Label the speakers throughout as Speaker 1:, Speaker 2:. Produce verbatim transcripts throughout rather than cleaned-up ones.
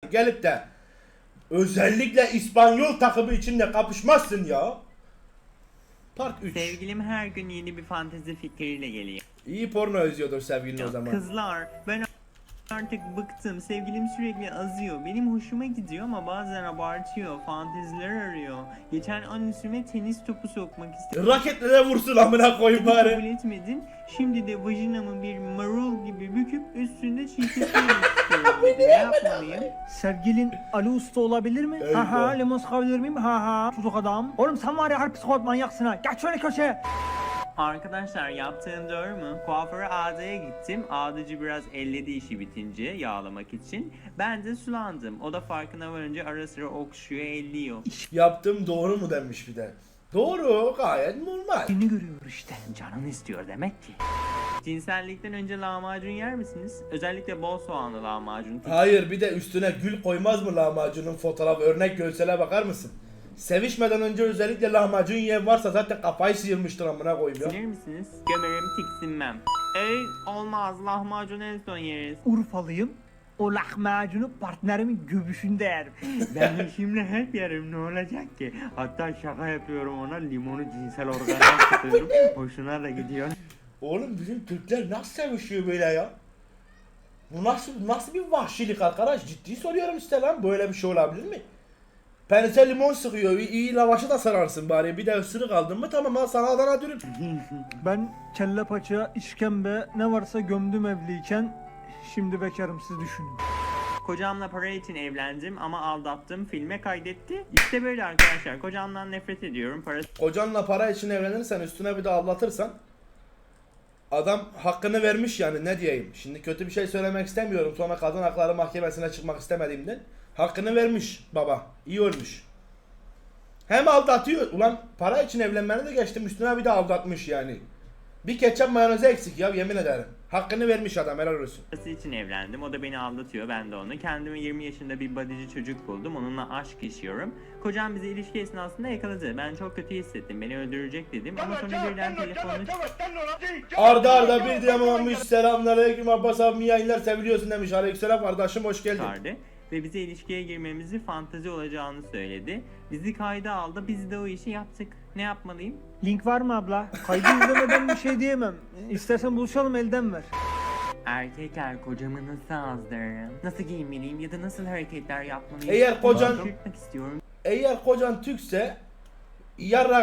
Speaker 1: gelip de özellikle İspanyol takımı içinde kapışmazsın ya. Part üç.
Speaker 2: Sevgilim her gün yeni bir fantezi fikriyle geliyor.
Speaker 1: İyi porno özlüyordur sevgilin o zaman.
Speaker 2: Kızlar, ben artık bıktım. Sevgilim sürekli azıyor. Benim hoşuma gidiyor ama bazen abartıyor. Fanteziler arıyor. Geçen an üstüme tenis topu sokmak istedim.
Speaker 1: Raketle de vursun amına koyayım
Speaker 2: Kabul
Speaker 1: bari.
Speaker 2: etmedin. Şimdi de vajinamı bir marul gibi büküp üstünde çiğitlemek istiyorum. Ne yapmalıyım?
Speaker 3: Sevgilin Ali Usta olabilir mi?
Speaker 1: Eyvah.
Speaker 3: Ha ha, limon sıkabilir miyim? Ha ha, çocuk adam. Oğlum sen var ya harbi psikopat manyaksın ha. Geç şöyle köşeye.
Speaker 2: Arkadaşlar yaptığım doğru mu? Kuaföre Ağda'ya gittim. Ağdacı biraz elledi işi bitince yağlamak için. Ben de sulandım. O da farkına varınca ara sıra okşuyor, elliyor.
Speaker 1: Yaptım doğru mu demiş bir de. Doğru, gayet normal.
Speaker 3: Seni görüyor işte.
Speaker 2: Canın istiyor demek ki. Cinsellikten önce lahmacun yer misiniz? Özellikle bol soğanlı lahmacun.
Speaker 1: Hayır, bir de üstüne gül koymaz mı lahmacunun fotoğraf örnek görsele bakar mısın? Sevişmeden önce özellikle lahmacun yiyen varsa zaten kafayı sıyırmıştır amına koyayım ya.
Speaker 2: Sinir misiniz? Gömerim tiksinmem. Ey olmaz, lahmacun en son yeriz.
Speaker 3: Urfalıyım. O lahmacunu partnerimin göbüşünde yerim.
Speaker 2: Ben şimdi hep yerim, ne olacak ki? Hatta şaka yapıyorum ona, limonu cinsel organa tutuyorum. Hoşuna da gidiyor.
Speaker 1: Oğlum bizim Türkler nasıl sevişiyor böyle ya? Bu nasıl nasıl bir vahşilik arkadaş? Ciddi soruyorum işte lan, böyle bir şey olabilir mi? Pense limon sıkıyor, iyi, iyi lavaşı da sararsın bari, bir de ısırık aldın mı tamam, al sana Adana dürüm.
Speaker 3: Ben kelle paça, işkembe ne varsa gömdüm evliyken. Şimdi bekarım, siz düşünün.
Speaker 2: Kocamla para için evlendim ama aldattım, filme kaydetti. İşte böyle arkadaşlar, kocamdan nefret ediyorum. Parası
Speaker 1: Kocanla para için evlenirsen, üstüne bir de aldatırsan, adam hakkını vermiş yani, ne diyeyim. Şimdi kötü bir şey söylemek istemiyorum, sonra kadın hakları mahkemesine çıkmak istemediğimden. Hakkını vermiş baba, iyi olmuş. Hem aldatıyor, ulan para için evlenmeni de geçtim, üstüne bir de aldatmış yani. Bir ketçap mayonezi eksik ya, yemin ederim. Hakkını vermiş adam, helal olsun.
Speaker 2: için evlendim, o da beni aldatıyor, ben de onu. Kendime yirmi yaşında bir bodyci çocuk buldum, onunla aşk yaşıyorum. Kocam bizi ilişki esnasında yakaladı. Ben çok kötü hissettim, beni öldürecek dedim ama sonra birden telefonunu
Speaker 1: Arda arda bir diyamamış, selamünaleyküm Abbas abi, yayınlar, seviliyorsun demiş. Aleykümselam kardeşim, hoş geldin.
Speaker 2: çıkardı ve bize ilişkiye girmemizi fantezi olacağını söyledi. Bizi kayda aldı, biz de o işi yaptık. Ne yapmalıyım?
Speaker 3: Link var mı abla? Kaydı izlemeden bir şey diyemem. İstersen buluşalım, elden ver.
Speaker 2: Erkekler kocamı nasıl azdırırım? Nasıl giyinmeliyim ya da nasıl hareketler yapmalıyım?
Speaker 1: Eğer kocan-
Speaker 2: Onu çıkartmak istiyorum.
Speaker 1: Eğer kocan Türkse, yarrağında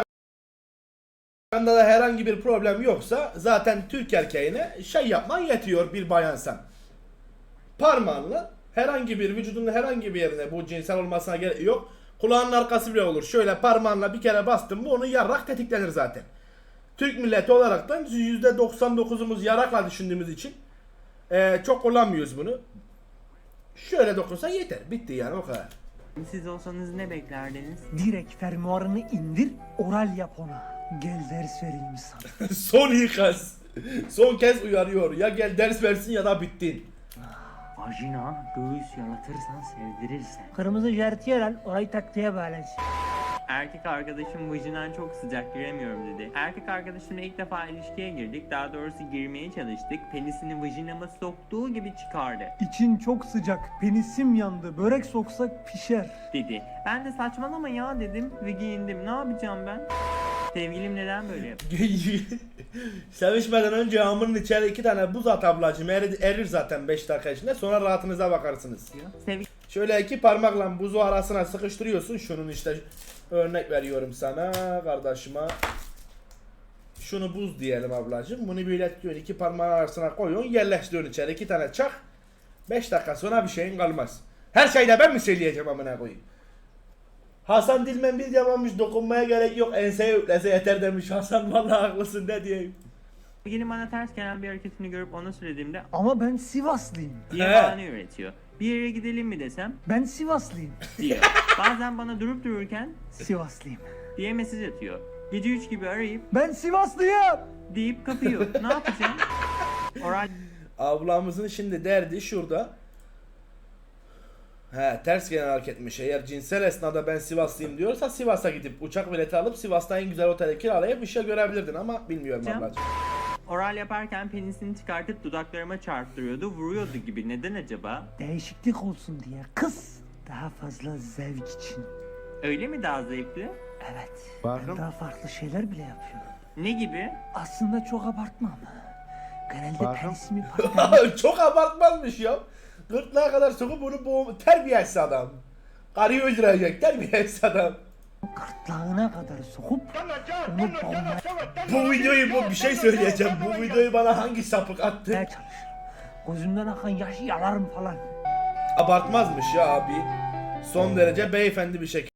Speaker 1: da herhangi bir problem yoksa zaten Türk erkeğine şey yapman yetiyor bir bayansan. Parmağınla herhangi bir vücudunun herhangi bir yerine, bu cinsel olmasına gerek yok. Kulağının arkası bile olur. Şöyle parmağınla bir kere bastın mı, onun yarrak tetiklenir zaten. Türk milleti olaraktan yüzde doksan dokuzumuz yarakla düşündüğümüz için eee, çok kullanmıyoruz bunu. Şöyle dokunsan yeter. Bitti yani, o kadar.
Speaker 2: Siz olsanız ne beklerdiniz?
Speaker 3: Direkt fermuarını indir, oral yap ona. Gel ders vereyim sana.
Speaker 1: Son ikaz. Son kez uyarıyor. Ya gel ders versin ya da bittin.
Speaker 2: Vajina, göğüs yalatırsan sevdirirsen.
Speaker 3: Kırmızı jertiyer al, orayı taktiğe bağlansın.
Speaker 2: Erkek arkadaşım vajinan çok sıcak, giremiyorum dedi. Erkek arkadaşımla ilk defa ilişkiye girdik. Daha doğrusu girmeye çalıştık. Penisini vajinama soktuğu gibi çıkardı
Speaker 3: İçin çok sıcak, penisim yandı, börek soksak pişer.
Speaker 2: dedi. Ben de saçmalama ya dedim ve giyindim. Ne yapacağım ben? Sevgilim neden böyle yapıyor?
Speaker 1: Sevişmeden önce hamurun içeri iki tane buz at ablacığım. Erir, erir zaten beş dakika içinde. Sonra rahatınıza bakarsınız.
Speaker 2: Sevgilim
Speaker 1: Şöyle iki parmakla buzu arasına sıkıştırıyorsun. Şunun işte örnek veriyorum sana kardeşime. Şunu buz diyelim ablacığım. Bunu böyle tutuyorsun, iki parmağın arasına koyuyorsun, yerleştiriyorsun içeri. iki tane çak. beş dakika sonra bir şeyin kalmaz. Her şeyde ben mi söyleyeceğim amına koyayım? Hasan Dilmen bir yapmamış, dokunmaya gerek yok, enseye yüklese yeter demiş. Hasan vallahi haklısın, ne diyeyim.
Speaker 2: bana ters gelen bir hareketini görüp ona söylediğimde
Speaker 3: Ama ben Sivaslıyım.
Speaker 2: diye
Speaker 1: He.
Speaker 2: bahane üretiyor. Bir yere gidelim mi desem
Speaker 3: Ben Sivaslıyım.
Speaker 2: diyor. Bazen bana durup dururken
Speaker 3: Sivaslıyım.
Speaker 2: diye mesaj atıyor. Gece üç gibi arayıp
Speaker 3: Ben Sivaslıyım.
Speaker 2: deyip kapıyor. Ne yapacağım? Oral
Speaker 1: Ablamızın şimdi derdi şurada. He, ters gelen hareketmiş. Eğer cinsel esnada ben Sivaslıyım diyorsa, Sivas'a gidip uçak bileti alıp Sivas'ta en güzel otele kiralayıp işe görebilirdin ama bilmiyorum
Speaker 2: Canım.
Speaker 1: ablacığım.
Speaker 2: Oral yaparken penisini çıkartıp dudaklarıma çarptırıyordu, vuruyordu gibi. Neden acaba?
Speaker 3: Değişiklik olsun diye kız. Daha fazla zevk için.
Speaker 2: Öyle mi daha zevkli?
Speaker 3: Evet.
Speaker 1: Bakın.
Speaker 3: Ben daha farklı şeyler bile yapıyorum.
Speaker 2: Ne gibi?
Speaker 3: Aslında çok abartmam. Genelde
Speaker 1: Bakın.
Speaker 3: penisimi partnerim
Speaker 1: Çok abartmazmış ya. Gırtlağa kadar sokup bunu boğum... Terbiyesiz adam. Karıyı öldürecek terbiyesiz adam.
Speaker 3: gırtlağına kadar sokup onu boğmaya
Speaker 1: Bu videoyu bu bir şey söyleyeceğim. Bu videoyu bana hangi sapık attı?
Speaker 3: çalışırım. Gözümden akan yaşı yalarım falan.
Speaker 1: Abartmazmış ya abi. Son derece beyefendi bir şekilde.